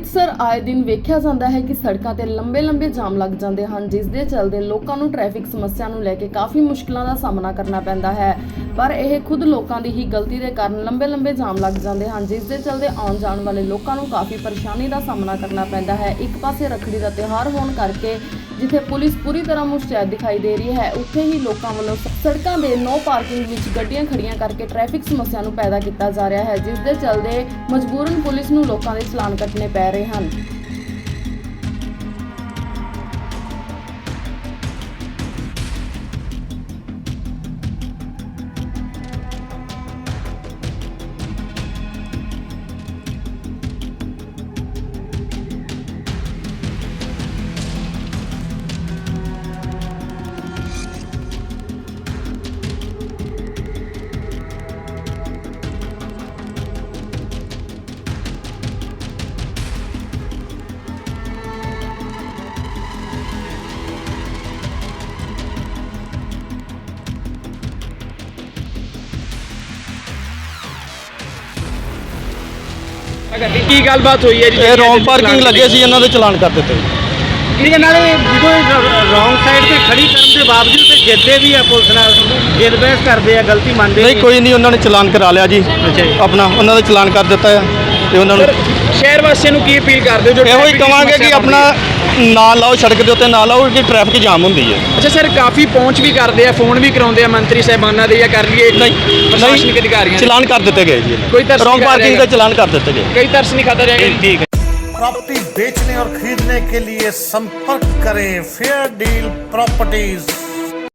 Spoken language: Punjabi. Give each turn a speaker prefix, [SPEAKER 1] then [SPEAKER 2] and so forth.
[SPEAKER 1] ਅੰਮ੍ਰਿਤਸਰ ਆਏ ਦਿਨ ਵੇਖਿਆ ਜਾਂਦਾ ਹੈ ਕਿ ਸੜਕਾਂ ਤੇ ਲੰਬੇ ਜਾਮ ਲੱਗ ਜਾਂਦੇ ਹਨ, ਜਿਸ ਦੇ ਚੱਲਦੇ ਲੋਕਾਂ ਨੂੰ ਟ੍ਰੈਫਿਕ ਸਮੱਸਿਆ ਨੂੰ ਲੈ ਕੇ ਕਾਫੀ ਮੁਸ਼ਕਲਾਂ ਦਾ ਸਾਹਮਣਾ ਕਰਨਾ ਪੈਂਦਾ ਹੈ। ਪਰ ਇਹ ਖੁਦ ਲੋਕਾਂ ਦੀ ਹੀ ਗਲਤੀ ਦੇ ਕਾਰਨ ਲੰਬੇ ਜਾਮ ਲੱਗ ਜਾਂਦੇ ਹਨ, ਜਿਸ ਦੇ ਚੱਲਦੇ ਆਉਣ ਜਾਣ ਵਾਲੇ ਲੋਕਾਂ ਨੂੰ ਕਾਫੀ ਪਰੇਸ਼ਾਨੀ ਦਾ ਸਾਹਮਣਾ ਕਰਨਾ ਪੈਂਦਾ ਹੈ। ਇੱਕ ਪਾਸੇ ਰੱਖੜੀ ਦਾ ਤਿਉਹਾਰ ਹੋਣ ਕਰਕੇ ਜਿੱਥੇ ਪੁਲਿਸ ਪੂਰੀ ਤਰ੍ਹਾਂ ਮੁਸ਼ਤੈਦ ਦਿਖਾਈ ਦੇ ਰਹੀ ਹੈ, ਉੱਥੇ ਹੀ ਲੋਕਾਂ ਵੱਲੋਂ ਸੜਕਾਂ ਦੇ ਨੋ ਪਾਰਕਿੰਗ ਵਿੱਚ ਗੱਡੀਆਂ ਖੜੀਆਂ ਕਰਕੇ ਟ੍ਰੈਫਿਕ ਸਮੱਸਿਆ ਨੂੰ ਪੈਦਾ ਕੀਤਾ ਜਾ ਰਿਹਾ ਹੈ, ਜਿਸ ਦੇ ਚੱਲਦੇ ਮਜਬੂਰਨ ਪੁਲਿਸ ਨੂੰ ਲੋਕਾਂ ਦੇ ਚਲਾਨ ਕੱਟਣੇ ਪੈ ਰਹੇ ਹਨ।
[SPEAKER 2] ਕੀ ਗੱਲਬਾਤ ਹੋਈ ਹੈ ਜੀ?
[SPEAKER 3] ਇਹ ਰੌਂਗ ਪਾਰਕਿੰਗ ਲੱਗੇ ਸੀ, ਇਹਨਾਂ ਦੇ ਚਲਾਨ ਕਰ ਦਿੱਤੇ।
[SPEAKER 2] ਇਹਦੇ ਨਾਲ ਜਦੋਂ ਰੌਂਗ ਸਾਈਡ ਤੇ ਖੜੀ ਕਰਨ ਦੇ ਬਾਵਜੂਦ ਤੇ ਜਿੱਦੇ ਵੀ ਆ ਪੁਲਿਸ ਨਾਲ ਜਿੱਦ ਬਹਿਸ ਕਰਦੇ ਆ, ਗਲਤੀ ਮੰਨਦੇ
[SPEAKER 3] ਨਹੀਂ, ਕੋਈ ਨਹੀਂ, ਉਹਨਾਂ ਨੇ ਚਲਾਨ ਕਰਾ ਲਿਆ ਜੀ। ਆਪਣਾ ਉਹਨਾਂ ਦਾ ਚਲਾਨ ਕਰ ਦਿੱਤਾ ਹੈ ਤੇ ਉਹਨਾਂ ਨੂੰ
[SPEAKER 2] ਸ਼ਹਿਰ ਵਾਸੀਆਂ ਨੂੰ ਕੀ ਅਪੀਲ ਕਰਦੇ ਹੋ? ਜੋ
[SPEAKER 3] ਇਹੋ ਹੀ ਕਵਾਂਗੇ ਕਿ ਆਪਣਾ ਨਾ ਲਾਓ, ਸੜਕ ਦੇ ਉੱਤੇ ਨਾ ਲਾਓ, ਕਿ ਟ੍ਰੈਫਿਕ ਜਾਮ ਹੁੰਦੀ ਹੈ।
[SPEAKER 2] ਅੱਛਾ ਸਰ, ਕਾਫੀ ਪਹੁੰਚ ਵੀ ਕਰਦੇ ਆ, ਫੋਨ ਵੀ ਕਰਾਉਂਦੇ ਆ ਮੰਤਰੀ ਸਾਹਿਬਾਨਾਂ ਦੇ, ਜਾਂ ਕਰ ਲਈਏ ਪ੍ਰਸ਼ਾਸਨਿਕ ਅਧਿਕਾਰੀਆਂ ਦੇ?
[SPEAKER 3] ਚਲਾਨ ਕਰ ਦਿੱਤੇ ਗਏ ਜੀ।
[SPEAKER 2] ਕੋਈ ਤਰਸ
[SPEAKER 3] ਰੌਂਗ ਪਾਰਕਿੰਗ ਦਾ ਚਲਾਨ ਕਰ ਦਿੱਤੇ ਗਏ।
[SPEAKER 2] कई तरस नहीं खाता रहेगा।
[SPEAKER 3] ठीक है।
[SPEAKER 4] प्रॉपर्टी बेचने और खरीदने के लिए संपर्क करें फेयर डील प्रॉपर्टीज।